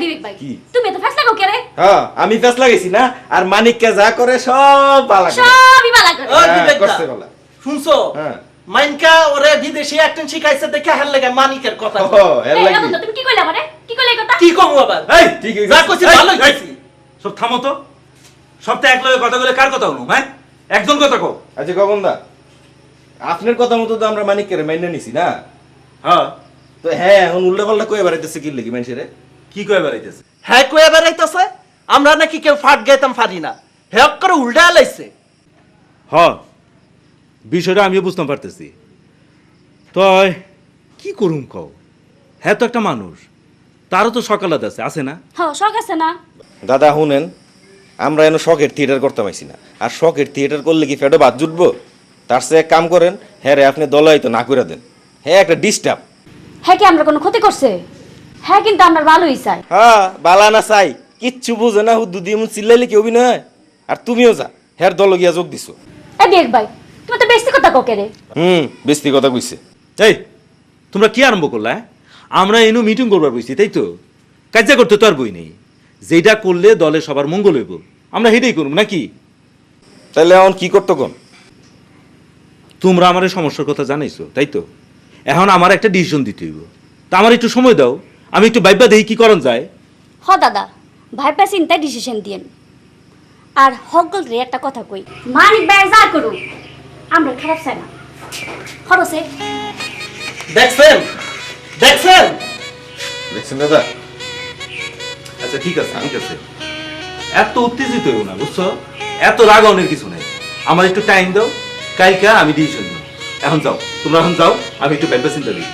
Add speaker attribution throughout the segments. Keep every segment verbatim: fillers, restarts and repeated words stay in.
Speaker 1: বিবেক ভাই তুমি তো ফেসলা কো করে
Speaker 2: হ্যাঁ আমি ফেসলা গেছি না আর মানিককে যা করে সব বালা করে
Speaker 1: সবই বালা করে
Speaker 3: ও বিবেক
Speaker 2: করছে বালা
Speaker 3: শুনছো
Speaker 2: হ্যাঁ
Speaker 3: মাইনকা ওরে বিদেশি অ্যাক্টিং শিখাইছে দেখে হার লাগে মানিকের কথা
Speaker 2: ও এর
Speaker 1: এই
Speaker 2: লাগি
Speaker 1: রতন তুমি কি কইলা মানে কি কইলা এই কথা
Speaker 3: কি কম আবার
Speaker 4: এই
Speaker 2: ঠিক আছে
Speaker 3: যা কইছি ভালোই কইছি
Speaker 4: সব থামো তো সবটা এক লগে কথা বলে কার কথা হলো হ্যাঁ একজন কথা কও
Speaker 2: আচ্ছা গগনদা আপনার কথা মতো তো আমরা মানিককে মাইনে নিছি না
Speaker 4: হ্যাঁ
Speaker 2: তো হ্যাঁ এখন উল্টা পাল্টা কয়ে বেড়াইতেছে কি লাগি মানুষের
Speaker 4: কি কয়ে বেড়াইতেছে
Speaker 3: হ্যাঁ কয়ে বেড়াইতেছে আমরা নাকি কেউ ফাট গাইতাম পারি না হ্যাঁ করে উল্টা লাইছে
Speaker 4: হ্যাঁ বিষয়টা আমিও বুঝতে পারতেছি তয় কি করুম কও হ্যাঁ তো একটা মানুষ তারও তো সকালাত আছে আছে না
Speaker 1: হ্যাঁ শখ আছে না
Speaker 2: দাদা শুনেন আমরা এনে শখের থিয়েটার করতে পারছি না আর শখের থিয়েটার করলে কি ফেটে বাদ জুটবো তার সে এক কাম করেন হ্যাঁ রে আপনি দলাই তো না করে দেন হ্যাঁ একটা ডিস্টার্ব
Speaker 1: হ্যাঁ কি আমরা কোনো ক্ষতি করছে হ্যাঁ কিন্তু আমরা ভালোই চাই
Speaker 2: হ্যাঁ বালা না চাই কিচ্ছু বুঝে না হুদ্দু দিয়ে এমন চিল্লাইলে কি অভিনয় হয়? আর তুমিও যা হ্যার দল গিয়া যোগ দিছো
Speaker 1: এই বিবেক ভাই তুমি তো বেশি কথা কো করে
Speaker 2: হুম বেশি কথা কইছে
Speaker 4: এই তোমরা কি আরম্ভ করলা হ্যাঁ? আমরা এনু মিটিং করবার বইছি তাই তো কাজা করতে তো আর বই নেই যেটা করলে দলে সবার মঙ্গল হইব আমরা হেঁটেই করব নাকি
Speaker 2: তাহলে এখন কি করতো কোন
Speaker 4: তোমরা আমার এই সমস্যার কথা জানাইছো তাই তো এখন আমার একটা ডিসিশন দিতে হইব তা আমার একটু সময় দাও আমি একটু ভাইবা দেখি কি করণ যায়
Speaker 1: হ দাদা ভাইপা চিন্তায় ডিসিশন দিয়েন আর হকল রে একটা কথা কই মানিক ভাই যা করু আমরা খারাপ চাই না খরচে
Speaker 3: দেখছেন দেখছেন
Speaker 2: দেখছেন দাদা
Speaker 4: আচ্ছা ঠিক আছে ঠিক আছে এত উত্তেজিত হইও না বুঝছো এত রাগানোর কিছু নাই আমার একটু টাইম দাও কালকা আমি ডিসিশন নিব এখন যাও তোমরা এখন যাও আমি একটু ভাইবা চিন্তা দিই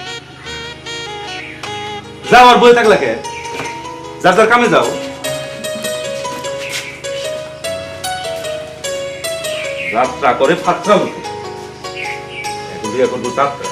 Speaker 4: যাও আর বই থাকলা কে যার যার কামে যাও যাত্রা করে ফাত্রা লোকে এখন বিয়ে করবো যাত্রা